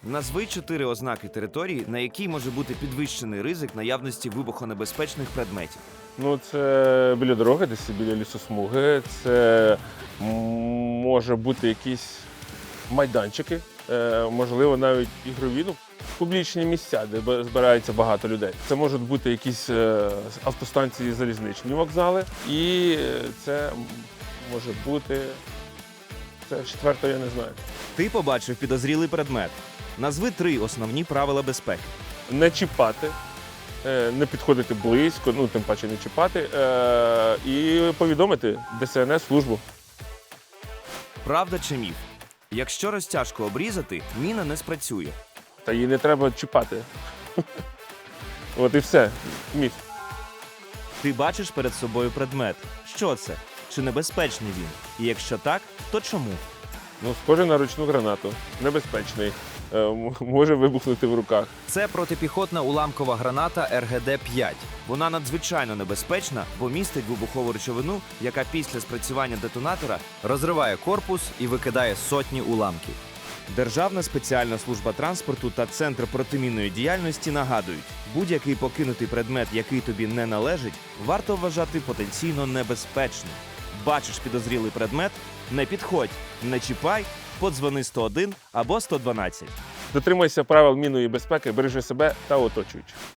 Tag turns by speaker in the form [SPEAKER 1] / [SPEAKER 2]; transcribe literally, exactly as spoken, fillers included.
[SPEAKER 1] Назви чотири ознаки території, на якій може бути підвищений ризик наявності вибухонебезпечних предметів.
[SPEAKER 2] Ну, це біля дороги, десь біля лісосмуги. Це м, може бути якісь майданчики, е, можливо, навіть ігрові, ну, публічні місця, де б- збирається багато людей. Це можуть бути якісь е, автостанції, залізничні вокзали. І е, це може бути. Це четверте, я не знаю.
[SPEAKER 1] Ти побачив підозрілий предмет. Назви три основні правила безпеки.
[SPEAKER 2] Не чіпати, е, не підходити близько, ну тим паче не чіпати, е, і повідомити Де Се Ен Ес службу.
[SPEAKER 1] Правда чи міф? Якщо розтяжку обрізати, міна не спрацює.
[SPEAKER 2] Та її не треба чіпати. От і все. Міф.
[SPEAKER 1] Ти бачиш перед собою предмет. Що це? Чи небезпечний він? І якщо так, то чому?
[SPEAKER 2] Ну, схоже на ручну гранату. Небезпечний. Е, м- може вибухнути в руках.
[SPEAKER 1] Це протипіхотна уламкова граната Ер Ге Де п'ять. Вона надзвичайно небезпечна, бо містить вибухову речовину, яка після спрацювання детонатора розриває корпус і викидає сотні уламків. Державна спеціальна служба транспорту та Центр протимінної діяльності нагадують, будь-який покинутий предмет, який тобі не належить, варто вважати потенційно небезпечним. Бачиш підозрілий предмет? Не підходь, не чіпай, подзвони сто один або сто дванадцять.
[SPEAKER 2] Дотримуйся правил мінної безпеки, бережи себе та оточуючих.